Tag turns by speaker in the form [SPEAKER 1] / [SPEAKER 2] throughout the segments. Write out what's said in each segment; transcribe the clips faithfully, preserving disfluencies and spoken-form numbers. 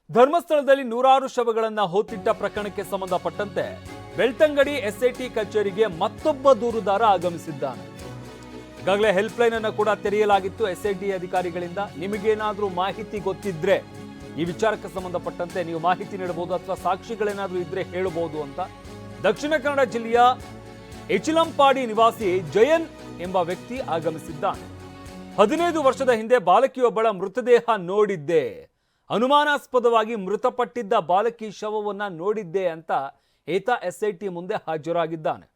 [SPEAKER 1] ಧರ್ಮಸ್ಥಳದಲ್ಲಿ ನೂರಾರು ಶವಗಳನ್ನು ಹೊತ್ತಿಟ್ಟ ಪ್ರಕರಣಕ್ಕೆ ಸಂಬಂಧಪಟ್ಟಂತೆ ಬೆಳ್ತಂಗಡಿ ಎಸ್ಐಟಿ ಕಚೇರಿಗೆ ಮತ್ತೊಬ್ಬ ದೂರುದಾರ ಆಗಮಿಸಿದ್ದಾನೆ. ಈಗಾಗಲೇ ಹೆಲ್ಪ್ ಲೈನ್ ಅನ್ನು ಕೂಡ ತೆರೆಯಲಾಗಿತ್ತು ಎಸ್ಐಟಿ ಅಧಿಕಾರಿಗಳಿಂದ. ನಿಮಗೇನಾದರೂ ಮಾಹಿತಿ ಗೊತ್ತಿದ್ರೆ ಈ ವಿಚಾರಕ್ಕೆ ಸಂಬಂಧಪಟ್ಟಂತೆ ನೀವು ಮಾಹಿತಿ ನೀಡಬಹುದು ಅಥವಾ ಸಾಕ್ಷಿಗಳೇನಾದರೂ ಇದ್ರೆ ಹೇಳಬಹುದು ಅಂತ ದಕ್ಷಿಣ ಕನ್ನಡ ಜಿಲ್ಲೆಯ ಎಚಿಲಂಪಾಡಿ ನಿವಾಸಿ ಜಯನ್ ಎಂಬ ವ್ಯಕ್ತಿ ಆಗಮಿಸಿದ್ದಾನೆ. ಹದಿನೈದು ವರ್ಷದ ಹಿಂದೆ ಬಾಲಕಿಯೊಬ್ಬಳ ಮೃತದೇಹ ನೋಡಿದ್ದೆ, ಅನುಮಾನಾಸ್ಪದವಾಗಿ ಮೃತಪಟ್ಟಿದ್ದ ಬಾಲಕಿ ಶವವನ್ನ ನೋಡಿದ್ದೆ ಅಂತ ಈತ ಎಸ್ಐಟಿ ಮುಂದೆ ಹಾಜರಾಗಿದ್ದಾನೆ.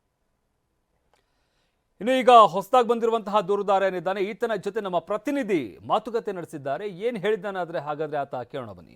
[SPEAKER 1] ಇನ್ನು ಈಗ ಹೊಸದಾಗಿ ಬಂದಿರುವಂತಹ ದೂರುದಾರ ಏನಿದ್ದಾನೆ, ಈತನ ಜೊತೆ ನಮ್ಮ ಪ್ರತಿನಿಧಿ ಮಾತುಕತೆ ನಡೆಸಿದ್ದಾರೆ. ಏನ್ ಹೇಳಿದ್ದಾನಾದ್ರೆ ಹಾಗಾದ್ರೆ ಆತ ಕೇಳೋಣ ಬನ್ನಿ.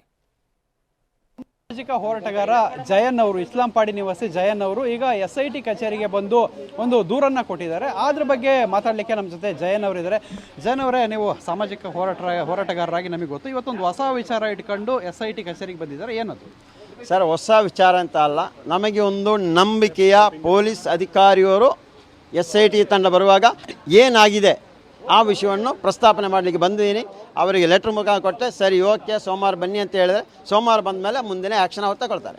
[SPEAKER 2] ಸಾಮಾಜಿಕ ಹೋರಾಟಗಾರ ಜಯನ್ ಅವರು, ಇಸ್ಲಾಂಪಾಡಿ ನಿವಾಸಿ ಜಯನ್ ಅವರು ಈಗ ಎಸ್ ಐ ಟಿ ಕಚೇರಿಗೆ ಬಂದು ಒಂದು ದೂರನ್ನ ಕೊಟ್ಟಿದ್ದಾರೆ. ಅದ್ರ ಬಗ್ಗೆ ಮಾತಾಡಲಿಕ್ಕೆ ನಮ್ಮ ಜೊತೆ ಜಯನ್ ಅವರು ಇದ್ದಾರೆ. ಜಯನ್ ಅವರೇ, ನೀವು ಸಾಮಾಜಿಕ ಹೋರಾಟ ಹೋರಾಟಗಾರರಾಗಿ ನಮಗೆ ಗೊತ್ತು, ಇವತ್ತೊಂದು ಹೊಸ ವಿಚಾರ ಇಟ್ಕೊಂಡು ಎಸ್ ಐ ಟಿ ಕಚೇರಿಗೆ ಬಂದಿದ್ದಾರೆ, ಏನದು?
[SPEAKER 3] ಸರ್, ಹೊಸ ವಿಚಾರ ಅಂತ ಅಲ್ಲ, ನಮಗೆ ಒಂದು ನಂಬಿಕೆಯ ಪೊಲೀಸ್ ಅಧಿಕಾರಿಯವರು ಎಸ್ ಐ ಟಿ ತಂಡ ಬರುವಾಗ ಏನಾಗಿದೆ ಆ ವಿಷಯವನ್ನು ಪ್ರಸ್ತಾಪನೆ ಮಾಡಲಿಕ್ಕೆ ಬಂದಿದ್ದೀನಿ. ಅವರಿಗೆ ಲೆಟ್ರ್ ಮುಖ ಕೊಟ್ಟೆ, ಸರಿ ಓಕೆ ಸೋಮವಾರ ಬನ್ನಿ ಅಂತ ಹೇಳಿದ್ರೆ ಸೋಮವಾರ ಬಂದ ಮೇಲೆ ಮುಂದಿನ ಆ್ಯಕ್ಷನ್ ಅವ್ರು ತಗೊಳ್ತಾರೆ.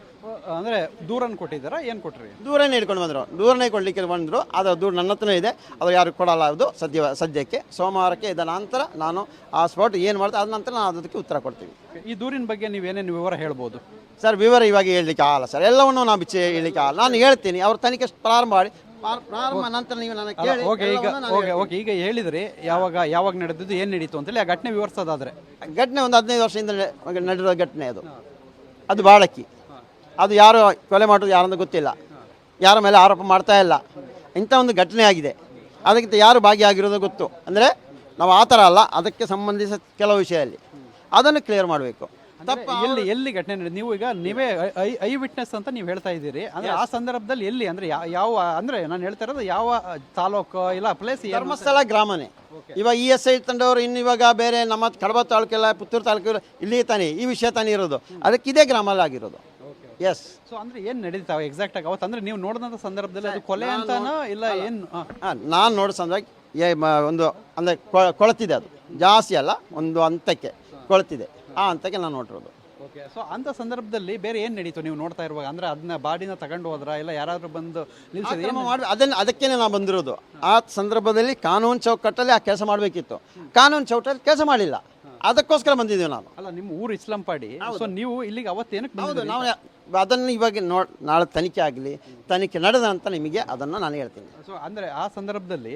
[SPEAKER 2] ಅಂದರೆ ದೂರನ್ನು ಕೊಟ್ಟಿದ್ದಾರಾ, ಏನು ಕೊಟ್ರಿ?
[SPEAKER 3] ದೂರನೇ ಇಟ್ಕೊಂಡು ಬಂದರು, ದೂರನೇ ಕೊಡಲಿಕ್ಕೆ ಬಂದರು. ಅದು ದೂರ ನನ್ನ ಹತ್ರನೇ ಇದೆ, ಅದು ಯಾರು ಕೊಡಲ್ಲ. ಅದು ಸದ್ಯ ಸದ್ಯಕ್ಕೆ ಸೋಮವಾರಕ್ಕೆ ಇದರ ನಂತರ ನಾನು ಆ ಸ್ಪಾಟ್ ಏನು ಮಾಡ್ತೀನಿ ಅದ ನಂತರ ನಾವು ಅದಕ್ಕೆ ಉತ್ತರ ಕೊಡ್ತೀವಿ.
[SPEAKER 2] ಈ ದೂರಿನ ಬಗ್ಗೆ ನೀವೇನೇನು ವಿವರ ಹೇಳ್ಬೋದು?
[SPEAKER 3] ಸರ್, ವಿವರ ಇವಾಗ ಹೇಳಲಿಕ್ಕೆ ಆಗಲ್ಲ ಸರ್, ಎಲ್ಲವನ್ನೂ ನಾವು ಬಿಚ್ಚಿ ಹೇಳಲಿಕ್ಕೆ ಆಗಲ್ಲ. ನಾನು ಹೇಳ್ತೀನಿ, ಅವ್ರ ತನಿಖೆ ಪ್ರಾರಂಭ ಮಾಡಿ ಪ್ರಾರಂಭ ನಂತರ ನೀವು ನನಗೆ ಕೇಳಿ.
[SPEAKER 2] ಓಕೆ, ಈಗ ಓಕೆ ಓಕೆ ಈಗ ಹೇಳಿದ್ರಿ ಯಾವಾಗ ಯಾವಾಗ ನಡೆದಿದ್ದು, ಏನು ನಡೀತು ಅಂತೇಳಿ ಆ ಘಟನೆ ವಿವರಿಸೋದಾದ್ರೆ.
[SPEAKER 3] ಘಟನೆ ಒಂದು ಹದಿನೈದು ವರ್ಷದಿಂದ ನಡೆದಿರೋ ಘಟನೆ ಅದು. ಅದು ಬಾಳಕಿ, ಅದು ಯಾರು ಕೊಲೆ ಮಾಡೋದು ಯಾರಂತ ಗೊತ್ತಿಲ್ಲ, ಯಾರ ಮೇಲೆ ಆರೋಪ ಮಾಡ್ತಾ ಇಲ್ಲ. ಇಂಥ ಒಂದು ಘಟನೆ ಆಗಿದೆ, ಅದಕ್ಕಿಂತ ಯಾರು ಭಾಗಿಯಾಗಿರೋದು ಗೊತ್ತು. ಅಂದರೆ ನಾವು ಆ ಥರ ಅಲ್ಲ, ಅದಕ್ಕೆ ಸಂಬಂಧಿಸಿದ ಕೆಲವು ವಿಷಯದಲ್ಲಿ ಅದನ್ನು ಕ್ಲಿಯರ್ ಮಾಡಬೇಕು.
[SPEAKER 2] ತಪ್ಪ ಎಲ್ಲಿ ಎಲ್ಲಿ ಘಟನೆ ನಡೆದು, ನೀವು ಈಗ ನೀವೇ ಐ ಐ ವಿಟ್ನೆಸ್ ಅಂತ ನೀವು ಹೇಳ್ತಾ ಇದ್ದೀರಿ, ಅಂದ್ರೆ ಆ ಸಂದರ್ಭದಲ್ಲಿ ಎಲ್ಲಿ, ಅಂದ್ರೆ ಯಾವ, ಅಂದ್ರೆ ನಾನು ಹೇಳ್ತಾ ಇರೋದು ಯಾವ ತಾಲೂಕು ಇಲ್ಲ ಪ್ಲೇಸ್?
[SPEAKER 3] ಧರ್ಮಸ್ಥಳ ಗ್ರಾಮನೇ. ಇವಾಗ ಇ ಎಸ್ ಐ ತಂಡವರು ಇನ್ನು ಇವಾಗ ಬೇರೆ ನಮ್ಮ ಕಡಬ ತಾಲೂಕೆಲ್ಲ ಪುತ್ತೂರು ತಾಲೂಕು ಇಲ್ಲಿ ತಾನೇ ಈ ವಿಷಯ ತಾನೇ ಇರೋದು, ಅದಕ್ಕೆ ಇದೇ ಗ್ರಾಮಲ್ಲಿ ಆಗಿರೋದು. ಎಸ್.
[SPEAKER 2] ಸೊ ಅಂದ್ರೆ ಏನು ನಡೀತಾವೆ ಎಕ್ಸಾಕ್ಟ್ ಆಗಿ ಅವತ್ತು, ಅಂದ್ರೆ ನೀವು ನೋಡಿದಂಥ ಸಂದರ್ಭದಲ್ಲಿ ಅದು ಕೊಲೆ ಅಂತಾನೋ ಇಲ್ಲ ಏನು?
[SPEAKER 3] ಹಾಂ, ನಾನು ನೋಡೋ ಸಂದರ್ಭ ಒಂದು ಅಂದರೆ ಕೊಳತಿದೆ, ಅದು ಜಾಸ್ತಿ ಅಲ್ಲ, ಒಂದು ಹಂತಕ್ಕೆ ಕೊಳತಿದೆ, ಆ ಹಂತಕ್ಕೆ ನಾನು ನೋಡಿರೋದು.
[SPEAKER 2] ಓಕೆ. ಸೊ ಅಂಥ ಸಂದರ್ಭದಲ್ಲಿ ಬೇರೆ ಏನು ನಡೀತು ನೀವು ನೋಡ್ತಾ ಇರುವಾಗ? ಅಂದರೆ ಅದನ್ನ ಬಾಡಿನ ತಗೊಂಡು ಹೋದ್ರಾ ಇಲ್ಲ ಯಾರಾದರೂ ಬಂದು ನಿಲ್ಲಿಸಿದ್ರೆ
[SPEAKER 3] ಮಾಡಿ ಅದನ್ನು ಅದಕ್ಕೇ ನಾವು ಬಂದಿರೋದು. ಆ ಸಂದರ್ಭದಲ್ಲಿ ಕಾನೂನು ಚೌಕಟ್ಟಲ್ಲಿ ಆ ಕೆಲಸ ಮಾಡಬೇಕಿತ್ತು, ಕಾನೂನು ಚೌಕಟ್ಟಲ್ಲಿ ಕೆಲಸ ಮಾಡಿಲ್ಲ, ಅದಕ್ಕೋಸ್ಕರ ಬಂದಿದ್ದೀವಿ ನಾವು.
[SPEAKER 2] ಅಲ್ಲ, ನಿಮ್ಮ ಊರು ಇಸ್ಲಾಂಪಾಡಿ, ಸೊ ನೀವು ಇಲ್ಲಿಗೆ ಅವತ್ತೇನಕ್ಕೆ ಬಂದಿದ್ದು?
[SPEAKER 3] ನಾವು ಅದನ್ನು ಇವಾಗ ನೋ ನಾಳೆ ತನಿಖೆ ಆಗಲಿ, ತನಿಖೆ ನಡೆದ ಅಂತ ನಿಮಗೆ ಅದನ್ನು ನಾನು ಹೇಳ್ತೀನಿ.
[SPEAKER 2] ಸೊ ಅಂದರೆ ಆ ಸಂದರ್ಭದಲ್ಲಿ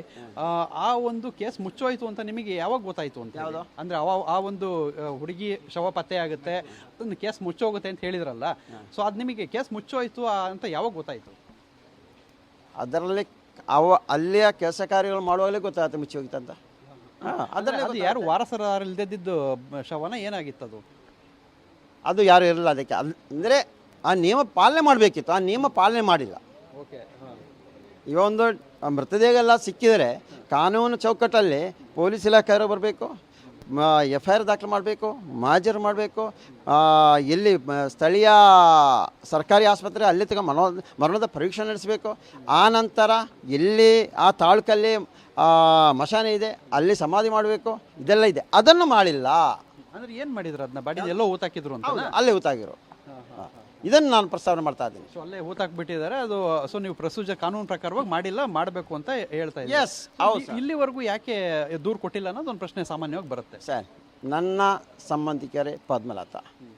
[SPEAKER 2] ಆ ಒಂದು ಕೇಸ್ ಮುಚ್ಚೋಯ್ತು ಅಂತ ನಿಮಗೆ ಯಾವಾಗ ಗೊತ್ತಾಯ್ತು ಅಂತ?
[SPEAKER 3] ಯಾವುದು
[SPEAKER 2] ಅಂದರೆ ಅವ ಆ ಒಂದು ಹುಡುಗಿ ಶವ ಪತ್ತೆ ಆಗುತ್ತೆ, ಅದನ್ನು ಕೇಸ್ ಮುಚ್ಚೋಗುತ್ತೆ ಅಂತ ಹೇಳಿದ್ರಲ್ಲ, ಸೊ ಅದು ನಿಮಗೆ ಕೇಸ್ ಮುಚ್ಚೋಯ್ತು ಅಂತ ಯಾವಾಗ ಗೊತ್ತಾಯ್ತು?
[SPEAKER 3] ಅದರಲ್ಲಿ ಅವ ಅಲ್ಲಿಯ ಕೆಲಸ ಕಾರ್ಯಗಳು ಮಾಡುವಾಗಲೇ ಗೊತ್ತಾಗುತ್ತೆ ಮುಚ್ಚಿ ಹೋಗಿತ್ತು ಅಂತ.
[SPEAKER 2] ಅದರಲ್ಲಿ ಅದು ಯಾರು ವಾರಸದಾರ ಇಲ್ದಿದ್ದು ಶವನ ಏನಾಗಿತ್ತು ಅದು?
[SPEAKER 3] ಅದು ಯಾರು ಇರಲಿಲ್ಲ ಅದಕ್ಕೆ. ಅಂದರೆ ಆ ನಿಯಮ ಪಾಲನೆ ಮಾಡಬೇಕಿತ್ತು, ಆ ನಿಯಮ ಪಾಲನೆ ಮಾಡಿಲ್ಲ.
[SPEAKER 2] ಓಕೆ.
[SPEAKER 3] ಈ ಒಂದು ಮೃತದೇಹಗಳೆಲ್ಲ ಸಿಕ್ಕಿದರೆ ಕಾನೂನು ಚೌಕಟ್ಟಲ್ಲಿ ಪೊಲೀಸ್ ಇಲಾಖೆಯವರು ಬರಬೇಕು, ಎಫ್ ಐ ಆರ್ ದಾಖಲು ಮಾಡಬೇಕು, ಮಾಜರು ಮಾಡಬೇಕು, ಎಲ್ಲಿ ಸ್ಥಳೀಯ ಸರ್ಕಾರಿ ಆಸ್ಪತ್ರೆ ಅಲ್ಲಿ ತಗ ಮನೋ ಮರಣದ ಪರೀಕ್ಷೆ ನಡೆಸಬೇಕು. ಆ ನಂತರ ಎಲ್ಲಿ ಆ ತಾಲೂಕಲ್ಲಿ ಮಶಾನೆ ಇದೆ ಅಲ್ಲಿ ಸಮಾಧಿ ಮಾಡಬೇಕು, ಇದೆಲ್ಲ ಇದೆ, ಅದನ್ನು ಮಾಡಿಲ್ಲ.
[SPEAKER 2] ಅಂದರೆ ಏನು ಮಾಡಿದ್ರು ಅದನ್ನ? ಬಾಡಿ ಎಲ್ಲೋ ಊತಾಕಿದ್ರು ಅಂತ?
[SPEAKER 3] ಅಲ್ಲೇ ಊತಾಗಿರೋ, ಇದನ್ನು ನಾನು ಪ್ರಸ್ತಾವನೆ ಮಾಡ್ತಾ ಇದ್ದೀನಿ.
[SPEAKER 2] ಸೊ ಅಲ್ಲೇ ಊತಾಕ್ಬಿಟ್ಟಿದ್ದಾರೆ ಅದು. ಸೊ ನೀವು ಪ್ರೊಸೀಜರ್ ಕಾನೂನು ಪ್ರಕಾರವಾಗಿ ಮಾಡಿಲ್ಲ, ಮಾಡಬೇಕು ಅಂತ ಹೇಳ್ತಾ ಇದ್ದೀವಿ.
[SPEAKER 3] ಎಸ್, ಹೌದು.
[SPEAKER 2] ಇಲ್ಲಿವರೆಗೂ ಯಾಕೆ ದೂರು ಕೊಟ್ಟಿಲ್ಲ ಅನ್ನೋದು ಒಂದು ಪ್ರಶ್ನೆ ಸಾಮಾನ್ಯವಾಗಿ ಬರುತ್ತೆ.
[SPEAKER 3] ಸರ್, ನನ್ನ ಸಂಬಂಧಿಕರೇ ಪದ್ಮಲತಾ,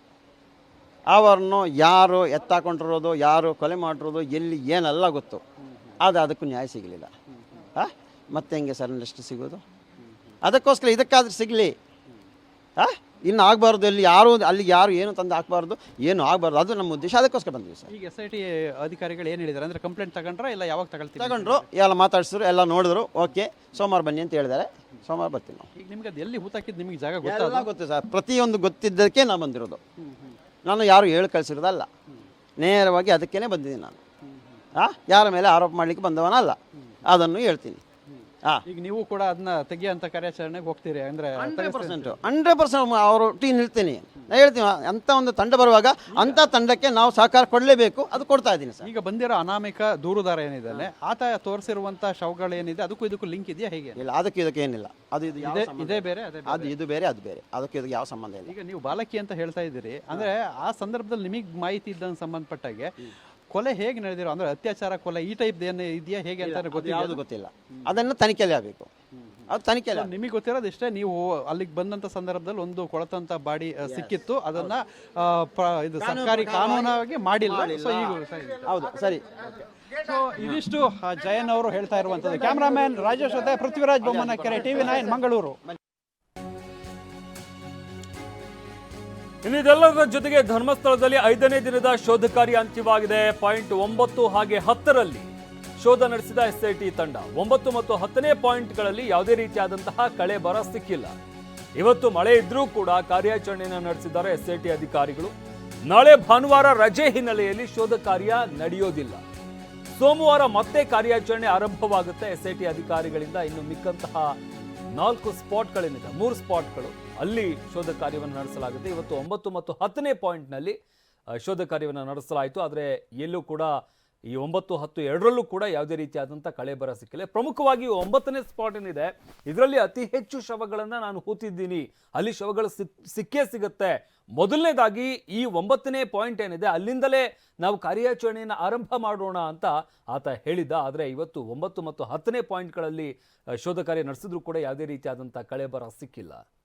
[SPEAKER 3] ಅವರನ್ನು ಯಾರು ಎತ್ತಾಕೊಂಡಿರೋದು, ಯಾರು ಕೊಲೆ ಮಾಡಿರೋದು, ಎಲ್ಲಿ ಏನೆಲ್ಲ ಗೊತ್ತು, ಆದರೆ ಅದಕ್ಕೂ ನ್ಯಾಯ ಸಿಗಲಿಲ್ಲ. ಹಾಂ, ಮತ್ತೆ ಹೆಂಗೆ ಸರ್ ನೆಕ್ಸ್ಟ್ ಸಿಗೋದು? ಅದಕ್ಕೋಸ್ಕರ ಇದಕ್ಕಾದ್ರೂ ಸಿಗಲಿ. ಹಾಂ, ಇನ್ನು ಆಗಬಾರ್ದು, ಇಲ್ಲಿ ಯಾರು ಅಲ್ಲಿ ಯಾರು ಏನು ತಂದು ಹಾಕಬಾರ್ದು, ಏನು ಆಗಬಾರ್ದು, ಅದು ನಮ್ಮ ಉದ್ದೇಶ. ಅದಕ್ಕೋಸ್ಕರ ಬಂದ್ವಿ ಸರ್.
[SPEAKER 2] ಈಗ ಎಸ್ ಐ ಟಿ ಅಧಿಕಾರಿಗಳು ಏನು ಹೇಳಿದ್ದಾರೆ ಅಂದರೆ ಕಂಪ್ಲೇಂಟ್ ತಗೊಂಡ್ರಾ ಇಲ್ಲ ಯಾವಾಗ ತಗೊಳ್ತೀವಿ?
[SPEAKER 3] ತಗೊಂಡ್ರು, ಎಲ್ಲ ಮಾತಾಡಿಸಿದ್ರು, ಎಲ್ಲ ನೋಡಿದ್ರು, ಓಕೆ ಸೋಮವಾರ ಬನ್ನಿ ಅಂತ ಹೇಳಿದ್ದಾರೆ. ಸೋಮವಾರ ಬರ್ತೀವಿ ನಾವು.
[SPEAKER 2] ಈಗ ನಿಮ್ಗೆ ಅದು ಎಲ್ಲಿ ಹೂತಾಕಿದ್ದು ನಿಮಗೆ ಜಾಗ
[SPEAKER 3] ಗೊತ್ತಾಗ ಗೊತ್ತು ಸರ್, ಪ್ರತಿಯೊಂದು ಗೊತ್ತಿದ್ದಕ್ಕೆ ನಾನು ಬಂದಿರೋದು. ನಾನು ಯಾರು ಹೇಳಿ ಕಳಿಸಿರೋದಲ್ಲ, ನೇರವಾಗಿ ಅದಕ್ಕೇ ಬಂದಿದ್ದೀನಿ ನಾನು. ಹಾಂ, ಯಾರ ಮೇಲೆ ಆರೋಪ ಮಾಡಲಿಕ್ಕೆ ಬಂದವನಲ್ಲ, ಅದನ್ನು ಹೇಳ್ತೀನಿ. ಹಾ.
[SPEAKER 2] ಈಗ ನೀವು ಕೂಡ ಅದನ್ನ ತೆಗಿಯೋಂಥ ಕಾರ್ಯಾಚರಣೆಗೆ ಹೋಗ್ತೀರಿ ಅಂದ್ರೆ
[SPEAKER 3] ಹಂಡ್ರೆಡ್ ಪರ್ಸೆಂಟ್ ಹಂಡ್ರೆಡ್ ಪರ್ಸೆಂಟ್ ಅವರು ಟೀಮ್ ನಿಲ್ತೀನಿ ನಾ ಹೇಳ್ತೀನಿ ಅಂಥ ಒಂದು ತಂಡ ಬರುವಾಗ ಅಂಥ ತಂಡಕ್ಕೆ ನಾವು ಸಹಕಾರ ಕೊಡಲೇಬೇಕು, ಅದು ಕೊಡ್ತಾ ಇದ್ದೀನಿ ಸರ್.
[SPEAKER 2] ಈಗ ಬಂದಿರೋ ಅನಾಮಿಕ ದೂರುದಾರ ಏನಿದ್ದಾನೆ ಆತ ತೋರಿಸಿರುವಂತ ಶವಗಳು ಏನಿದೆ ಅದಕ್ಕೂ ಇದಕ್ಕೂ ಲಿಂಕ್ ಇದೆಯಾ ಹೇಗೆ?
[SPEAKER 3] ಇಲ್ಲ, ಅದಕ್ಕೆ ಇದಕ್ಕೆ ಏನಿಲ್ಲ. ಅದು ಇದು ಯಾವ
[SPEAKER 2] ಇದೇ
[SPEAKER 3] ಸಂಬಂಧ
[SPEAKER 2] ಇದೇ
[SPEAKER 3] ಇಲ್ಲ.
[SPEAKER 2] ಬೇರೆ ಅದೇ ಬೇರೆ.
[SPEAKER 3] ಅದು ಇದು ಬೇರೆ ಅದು ಬೇರೆ, ಅದಕ್ಕೆ ಇದಕ್ಕೆ ಯಾವ ಸಂಬಂಧ ಇಲ್ಲ.
[SPEAKER 2] ಈಗ ನೀವು ಬಾಲಕಿ ಅಂತ ಹೇಳ್ತಾ ಇದ್ದೀರಿ ಅಂದ್ರೆ ಆ ಸಂದರ್ಭದಲ್ಲಿ ನಿಮಗೆ ಮಾಹಿತಿ ಇದ್ದಂಗೆ ಸಂಬಂಧಪಟ್ಟಾಗೆ ಕೊಲೆ ಹೇಗೆ ನಡೆದಿರೋ ಅಂದ್ರೆ ಅತ್ಯಾಚಾರ ಕೊಲೆ ಈ ಟೈಪ್ ಏನು ಇದೆಯಾ ಹೇಗೆ ಅಂತ
[SPEAKER 3] ಅದು
[SPEAKER 2] ಗೊತ್ತಿಲ್ಲ.
[SPEAKER 3] ಯಾವುದು ಗೊತ್ತಿಲ್ಲ, ಅದನ್ನು ತನಿಖೆಯಲ್ಲಿ ಆಗಬೇಕು. ಅದು ತನಿಖೆಯಲ್ಲಿ
[SPEAKER 2] ನಿಮಗೆ ಗೊತ್ತಿರೋದು ಇಷ್ಟೇ, ನೀವು ಅಲ್ಲಿಗೆ ಬಂದಂತ ಸಂದರ್ಭದಲ್ಲಿ ಒಂದು ಕೊಳತಂತ ಬಾಡಿ ಅಹ್, ಸಿಕ್ಕಿತ್ತು, ಅದನ್ನ ಅಹ್, ಪ್ರ- ಇದು ಸರ್ಕಾರಿ ಕಾನೂನಾಗಿ ಮಾಡಿಲ್ಲ. ಸೊ ಈಗ
[SPEAKER 3] ಹೌದು ಸರಿ.
[SPEAKER 2] ಸೊ ಇದಿಷ್ಟು ಆ, ಜಯನ್ ಅವರು ಹೇಳ್ತಾ ಇರುವಂತದ್ದು. ಕ್ಯಾಮ್ರಾಮನ್ ರಾಜೇಶ್ ಜೊತೆ ಪೃಥ್ವಿರಾಜ್ ಬೊಮ್ಮನಕೆರೆ, ಟಿವಿ ನೈನ್, ಮಂಗಳೂರು.
[SPEAKER 1] ಇನ್ನು ಇದೆಲ್ಲದರ ಜೊತೆಗೆ ಧರ್ಮಸ್ಥಳದಲ್ಲಿ ಐದನೇ ದಿನದ ಶೋಧ ಕಾರ್ಯ ಅಂತ್ಯವಾಗಿದೆ. ಪಾಯಿಂಟ್ ಒಂಬತ್ತು ಹಾಗೆ ಹತ್ತರಲ್ಲಿ ಶೋಧ ನಡೆಸಿದ ಎಸ್ಐಟಿ ತಂಡ ಒಂಬತ್ತು ಮತ್ತು ಹತ್ತನೇ ಪಾಯಿಂಟ್ಗಳಲ್ಲಿ ಯಾವುದೇ ರೀತಿಯಾದಂತಹ ಕಳೆ ಬರ ಸಿಕ್ಕಿಲ್ಲ. ಇವತ್ತು ಮಳೆ ಇದ್ರೂ ಕೂಡ ಕಾರ್ಯಾಚರಣೆಯನ್ನು ನಡೆಸಿದ್ದಾರೆ ಎಸ್ಐಟಿ ಅಧಿಕಾರಿಗಳು. ನಾಳೆ ಭಾನುವಾರ ರಜೆ ಹಿನ್ನೆಲೆಯಲ್ಲಿ ಶೋಧ ಕಾರ್ಯ ನಡೆಯೋದಿಲ್ಲ. ಸೋಮವಾರ ಮತ್ತೆ ಕಾರ್ಯಾಚರಣೆ ಆರಂಭವಾಗುತ್ತೆ ಎಸ್ಐಟಿ ಅಧಿಕಾರಿಗಳಿಂದ. ಇನ್ನು ಮಿಕ್ಕಂತಹ ನಾಲ್ಕು ಸ್ಪಾಟ್ಗಳೇನಿದೆ, ಮೂರು ಸ್ಪಾಟ್ಗಳು, ಅಲ್ಲಿ ಶೋಧ ಕಾರ್ಯವನ್ನು ನಡೆಸಲಾಗುತ್ತೆ. ಇವತ್ತು ಒಂಬತ್ತು ಮತ್ತು ಹತ್ತನೇ ಪಾಯಿಂಟ್ನಲ್ಲಿ ಶೋಧ ಕಾರ್ಯವನ್ನು ನಡೆಸಲಾಯಿತು. ಆದರೆ ಎಲ್ಲೂ ಕೂಡ ಈ ಒಂಬತ್ತು ಹತ್ತು ಎರಡರಲ್ಲೂ ಕೂಡ ಯಾವುದೇ ರೀತಿಯಾದಂಥ ಕಳೆ ಬರ ಸಿಕ್ಕಿಲ್ಲ. ಪ್ರಮುಖವಾಗಿ ಒಂಬತ್ತನೇ ಸ್ಪಾಟ್ ಏನಿದೆ, ಇದರಲ್ಲಿ ಅತಿ ಹೆಚ್ಚು ಶವಗಳನ್ನು ನಾನು ಹೂತಿದ್ದೀನಿ, ಅಲ್ಲಿ ಶವಗಳು ಸಿಕ್ ಸಿಕ್ಕೇ ಸಿಗುತ್ತೆ. ಮೊದಲನೇದಾಗಿ ಈ ಒಂಬತ್ತನೇ ಪಾಯಿಂಟ್ ಏನಿದೆ ಅಲ್ಲಿಂದಲೇ ನಾವು ಕಾರ್ಯಾಚರಣೆಯನ್ನು ಆರಂಭ ಮಾಡೋಣ ಅಂತ ಆತ ಹೇಳಿದ್ದ. ಆದರೆ ಇವತ್ತು ಒಂಬತ್ತು ಮತ್ತು ಹತ್ತನೇ ಪಾಯಿಂಟ್ಗಳಲ್ಲಿ ಶೋಧ ಕಾರ್ಯ ನಡೆಸಿದ್ರೂ ಕೂಡ ಯಾವುದೇ ರೀತಿಯಾದಂಥ ಕಳೆ ಬರ ಸಿಕ್ಕಿಲ್ಲ.